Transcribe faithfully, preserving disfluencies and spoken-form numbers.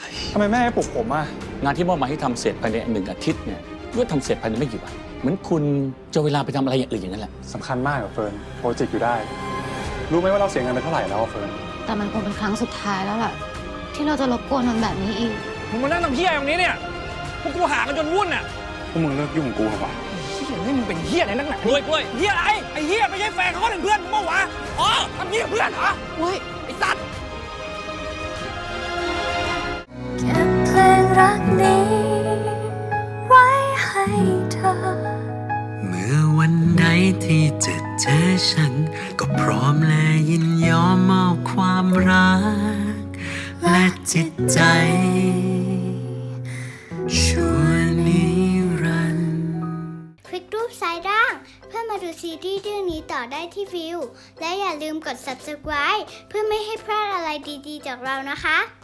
ทำไมแม่ให้ปลุกผมอ่ะงานที่มอบหมายให้ทำเสร็จภายในหนึ่งอาทิตย์เนี่ยก็ทำเสร็จภายในไม่กี่วันเหมือนคุณจะเวลาไปทำอะไรอย่างอื่นอย่างนั้นแหละสำคัญมากกับเฟิร์นโปรเจกต์อยู่ได้รู้ไหมว่าเราเสียเงินไปเท่าไหร่แล้วเฟิร์นแต่มันคงเป็นครั้งสุดท้ายแล้วล่ะที่เราจะรบกวนมันแบบนี้อีกมึงมานั่งทำเฮี้ยตรงนี้เนี่ยพวกกูหากันจนวุ่นอ่ะพวกมึงเลิกยุ่งกับกูเถอะวะเฮี้ยนี่มึงเป็นเฮี้ยอะไรนักหนากล้วยกล้วยเฮี้ยอะไรไอ้เฮี้ยไม่ใช่แฟนเขาเป็นเพื่อนมึงเมื่อวะอ๋อทำเฮี้ยเพื่อนเหรอเฮ้ยไอ้สัตว์เก็บเพลงรักนี้ไว้ให้เธอเมื่อวันใดที่จะเจอฉันก็พร้อมและยินยอมมอบความรักและจิตใจชั่วนิรันดร์คลิกรูปซ้ายล่างเพื่อมาดูซีรีส์เรื่องนี้ต่อได้ที่วิวและอย่าลืมกด ซับสไครบ์ เพื่อไม่ให้พลาดอะไรดีๆจากเรานะคะ